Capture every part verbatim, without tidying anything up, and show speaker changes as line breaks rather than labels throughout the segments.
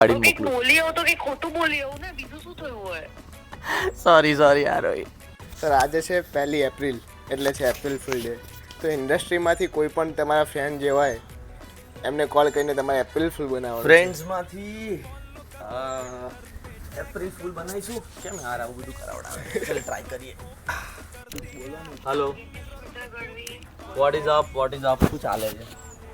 કાઢીને
કંઈક
મોકલું.
બોલી આવું તો કંઈક ખોટું બોલી આવું ને, બીજું શું થયું હોય?
સોરી સોરી યાર ભાઈ.
સર આજે છે પહેલી એપ્રિલ એટલે છે એપ્રિલ ફૂલ ડે. તો ઇન્ડસ્ટ્રીમાંથી કોઈ પણ તમારા ફ્રેન્ડ જે હોય એમને કોલ કરીને તમારે એપ્રિલ ફૂલ બનાવવાનું.
ફ્રેન્ડ્સમાંથી એપ્રિલ ફૂલ બનાવીશું. કેમ યાર આવું બધું કરાવડાવે? ચાલ ટ્રાય કરીએ. Hello, what is up what is up શું ચાલે છે?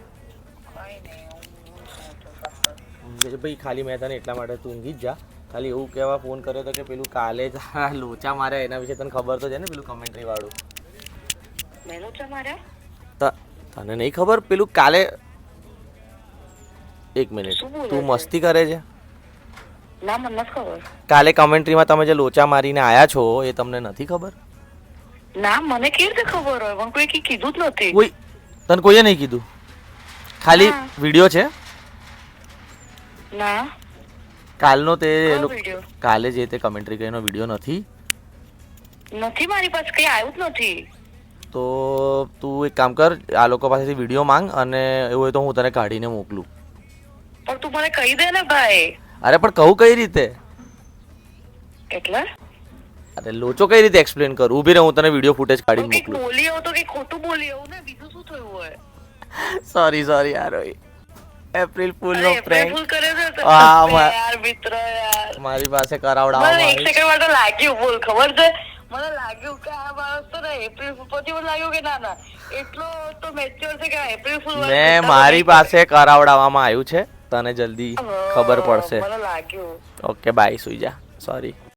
કે છે ભાઈ ખાલી મેં તને એટલા માટે તું ઊંઘી જ જા. ખાલી એવું કહેવા ફોન કર્યો હતો કે પેલું કાલે જ આ લોચા માર્યા એના વિશે તને ખબર તો છે ને, પેલું કમેન્ટ્રી વાળું.
મેં લોચા માર્યા?
ત- તને નહીં ખબર પેલું કાલે? એક મિનિટ,
શું બોલે
તું
છે?
મસ્તી કરે છે?
ના, મને નથી ખબર.
કાલે કમેન્ટ્રીમાં તમે જે લોચા મારીને આયા છો એ તમને નથી ખબર?
ના, મને કેવી રીતે ખબર હોય? મને કોઈ કીધું જ નથી.
કોઈ તને કોઈએ નહીં કીધું? ખાલી
હા.
વિડીયો છે
ના.
કાલનો તે એ
કયો
લોકો
વિડીયો?
કાલે જે તે કમેન્ટ્રી કરીને વિડીયો નથી?
નથી, મારી પાસે કઈ આવ્યું જ નથી.
તો તું એક કામ કર, આ લોકો પાસેથી વિડીયો માંગ અને એવું હોય તો હું તને કાઢીને મોકલું.
પણ તું મને કહી દે ને ભાઈ.
અરે પણ કહું કઈ રીતે?
એટલે
અરે લોચો કઈ રીતે એક્સપ્લેન કરું? ઊભી રહે, હું તને વિડીયો ફૂટેજ કાઢીને
કંઈક
મોકલું.
બોલી આવું તો કંઈક ખોટું બોલી આવું ને, બીજું શું થયું હોય?
સોરી સોરી યાર ભાઈ. એપ્રિલ ફૂલ નો
અરે, એપ્રિલ
પ્રેન્ક
ફૂલ કર્યો છે તો?
હા,
અરે
મા-
યાર મિત્ર યાર,
મારી પાસે
મને
કરાવડાવવામાં
એક
આવી.
સેકન્ડ માટે લાગ્યું, બોલ, ખબર છે મને લાગ્યું કે આ માણસ તો ને એપ્રિલ ફૂલ, પછી મને લાગ્યું કે ના ના એટલો તો મેચ્યોર છે કે આ એપ્રિલ ફૂલ વાળા
મેં
ખોટા
મારી
બોલી
પાસે કરાવડાવવામાં આવ્યું છે, તને જલ્દી
હા,
ખબર પડશે.
મને લાગ્યું.
ઓકે બાય, સુઈ જા. સોરી.